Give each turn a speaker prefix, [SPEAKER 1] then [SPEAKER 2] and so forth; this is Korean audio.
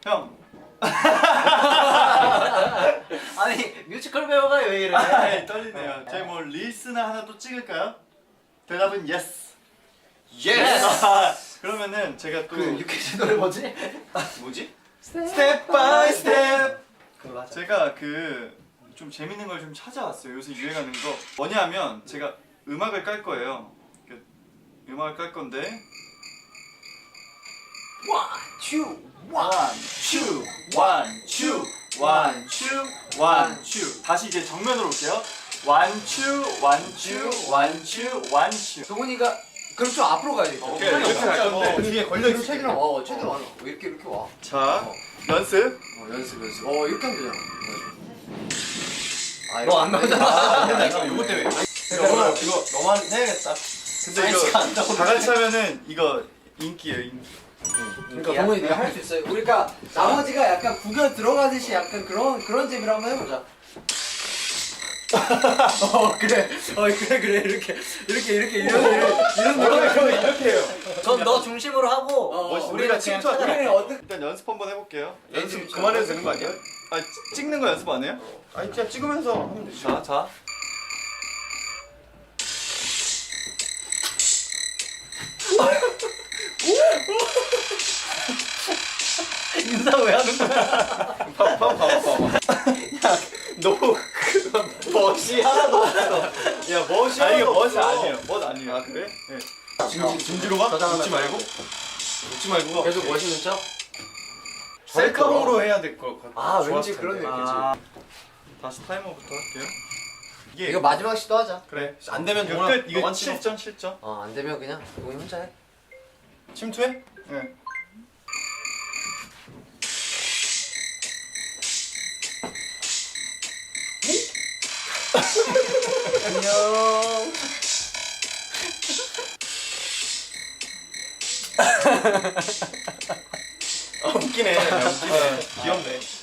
[SPEAKER 1] 형.
[SPEAKER 2] 아니 뮤지컬 배우가 왜 이래?
[SPEAKER 1] 떨리네요. 저희 뭐 릴스나 하나 또 찍을까요? 대답은 yes. 그러면은 제가 또
[SPEAKER 2] 그 유퀴즈 노래 뭐지?
[SPEAKER 1] 뭐지?
[SPEAKER 2] 스텝 바이 스텝.
[SPEAKER 1] 그걸로 하자. 제가 그 좀 재밌는 걸 좀 찾아왔어요. 요새 유행하는 거 뭐냐면 제가 음악을 깔 거예요. 음악을 깔 건데
[SPEAKER 2] 원, 투,
[SPEAKER 1] 원, 투, 원, 투, 원, 투, 원, 투. 다시 이제 정면으로 올게요. 원, 투, 원, 투, 원, 투, 원, 투.
[SPEAKER 2] 동훈이가 그럼 좀 앞으로 가야겠다.
[SPEAKER 1] 이렇게 갈 건데
[SPEAKER 3] 뒤에 걸려 있어.
[SPEAKER 2] 최대한 와, 최대한 와. 이렇게 와.
[SPEAKER 1] 자, 연습.
[SPEAKER 2] 연습. 이렇게 하면 되잖아.
[SPEAKER 3] 너 안 나오잖아.
[SPEAKER 2] 이거 때문에.
[SPEAKER 1] 이거 너만 해야겠다. 근데 이거 다 같이 하면은 이거 인기예요, 인기.
[SPEAKER 2] 그러니까 동훈이 네가 할 수 있어요. 우리가 나머지가 약간 구겨 들어가듯이 약간 그런 재미로 한번 해보자. 그래. 그래 이렇게 이런
[SPEAKER 1] 이렇게 해요.
[SPEAKER 2] 전 너 중심으로 하고
[SPEAKER 1] 우리가 침투하자.
[SPEAKER 2] 어떻게
[SPEAKER 1] 일단 연습 한번 해볼게요.
[SPEAKER 3] 연습 그만해도 되는 거 아니야?
[SPEAKER 1] 아, 찍는 거 연습 안 해요?
[SPEAKER 3] 아니 그냥 찍으면서 하면 되지.
[SPEAKER 1] 자.
[SPEAKER 2] 인사 왜 하는 거야?
[SPEAKER 1] 봐봐.
[SPEAKER 3] 너 멋이 하나도 없어.
[SPEAKER 1] 야, 멋이
[SPEAKER 3] 아니, 이게
[SPEAKER 1] 멋이
[SPEAKER 3] 멋
[SPEAKER 1] 아니에요. 멋 아니에요. 아, 그래? 네.
[SPEAKER 3] 진지로 가? 웃지 말고. 웃지 말고 가.
[SPEAKER 2] 계속 멋있는 척?
[SPEAKER 3] 셀카봉으로 해야 될 것 같아.
[SPEAKER 2] 아
[SPEAKER 3] 좋았을
[SPEAKER 2] 왠지
[SPEAKER 3] 텐데.
[SPEAKER 2] 그런 느낌이지.
[SPEAKER 1] 다시 타이머부터 할게요. 이게
[SPEAKER 2] 이거 마지막 시도하자.
[SPEAKER 1] 그래.
[SPEAKER 3] 안 되면
[SPEAKER 1] 이거
[SPEAKER 3] 동원아,
[SPEAKER 1] 끝. 이거
[SPEAKER 3] 너만 찍어.
[SPEAKER 1] 7점.
[SPEAKER 2] 안 되면 그냥 동훈이 혼자 해.
[SPEAKER 3] 침투해?
[SPEAKER 1] 네.
[SPEAKER 2] 안녕.
[SPEAKER 3] 웃기네. 귀엽네.